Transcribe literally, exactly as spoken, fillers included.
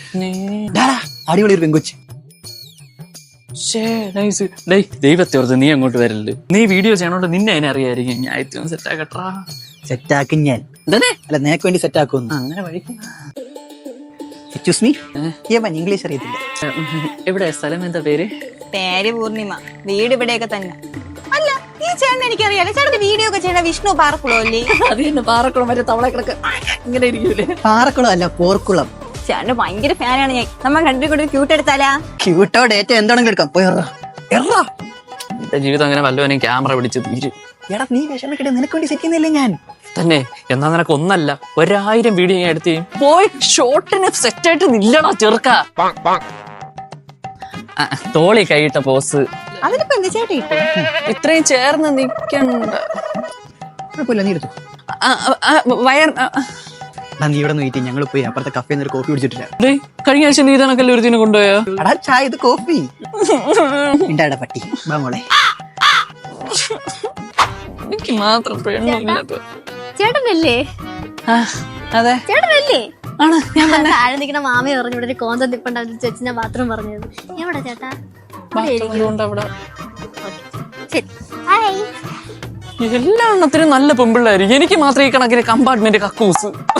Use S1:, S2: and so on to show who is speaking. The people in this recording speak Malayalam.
S1: അടിപൊളി ഒരു പെങ്കൊച്ച്.
S2: ദൈവത്തെ ഓർത്ത് നീ അങ്ങോട്ട് വരല്. നീ വീഡിയോ ചെയ്യണോണ്ട് നിന്നെ അതിനെ അറിയായിരിക്കും. ഞാൻ ഏറ്റവും സെറ്റ് ആക്കട്ടാ.
S1: സെറ്റാക്കും ഞാൻ. അല്ല നിനക്ക് വേണ്ടി സെറ്റ് ആക്കുന്നു.
S2: അങ്ങനെ വഴിക്കും.
S1: എക്സ്ക്യൂസ് മീ, ഇംഗ്ലീഷ് അറിയത്തില്ല.
S2: എവിടെ സ്ഥലം? എന്താ പേര്?
S3: പേര് പൂർണിമ. വീട് ഇവിടെയൊക്കെ തന്നെ. അല്ല ഈ ചേട്ടൻ എനിക്കറിയാലോ. ചേട്ടന്റെ വീഡിയോ ഒക്കെ ചെയ്യണ വിഷ്ണു പാറക്കുളം അല്ലേ?
S2: അത് തന്നെ, പാറക്കുളം വരെ തവള കിടക്ക് ഇങ്ങനെ ഇരിക്കൂലേ?
S1: പാറക്കുളം അല്ല, പോർക്കുളം.
S3: ചേട്ടന്റെ ഭയങ്കര ഫാനാണ് ഞാൻ. നമ്മൾ രണ്ടു കൂടി ക്യൂട്ട് എടുത്താലാ?
S1: ക്യൂട്ടോ ഡേറ്റ എന്താണെങ്കിലും എടുക്കാം. പോയി
S2: എന്റെ ജീവിതം അങ്ങനെ വല്ലവനും ക്യാമറ പിടിച്ച് തീരും.
S1: എടാ നീ വിഷമിക്കട്ടെ, നിനക്ക് വേണ്ടി സെറ്റ് ചെയ്യുന്നില്ലേ ഞാൻ
S2: തന്നെ. എന്നാ നിനക്ക് ഒന്നല്ല ഒരായിരം വീഡിയോ ഞാൻ എടുത്ത് പോയി ഷോട്ടിന് സെറ്റായിട്ട് നില്ലടാ ചെറുക്ക. തോളി കൈയിട്ട പോസ്.
S3: അതിനിപ്പോ എന്ത് ചേട്ടാ
S2: ഇത്രയും ചേർന്ന് നിക്കണ്ട.
S1: കുഴപ്പമില്ല, നീ എടുത്തു.
S2: വയർ
S1: നീ ഇവിടെ നോക്കി ഞങ്ങൾ പോയി അപ്പുറത്തെ കഫേ ഒരു കോഫി കുടിച്ചിട്ടില്ല.
S2: കഴിഞ്ഞ ആഴ്ച നീ ഇതാണക്കല്ലേ ഒരു ദിനം കൊണ്ടുപോയോ?
S1: എടാ ചായ, ഇത് കോഫി. ഉണ്ടാടാ പട്ടി മോളെ.
S2: എനിക്ക് മാത്രം
S4: ചേട്ടനല്ലേ?
S2: അതെ
S4: ചേട്ടനല്ലേ?
S2: ആണ്. ഞാൻ തന്നെ
S4: താഴെ നിൽക്കുന്ന മാമയെ പറഞ്ഞു ഇവിടെ ഒരു കോന്തം നിപ്പുണ്ടാവും ചേച്ചി. ഞാൻ ബാത്റൂം പറഞ്ഞത് എവിടെ ചേട്ടാ?
S2: എല്ലാ എണ്ണത്തിനും നല്ല പെമ്പിള്ളായിരിക്കും. എനിക്ക് മാത്രം ഈ കണക്കിന് കമ്പാർട്ട്മെന്റ് കക്കൂസ്.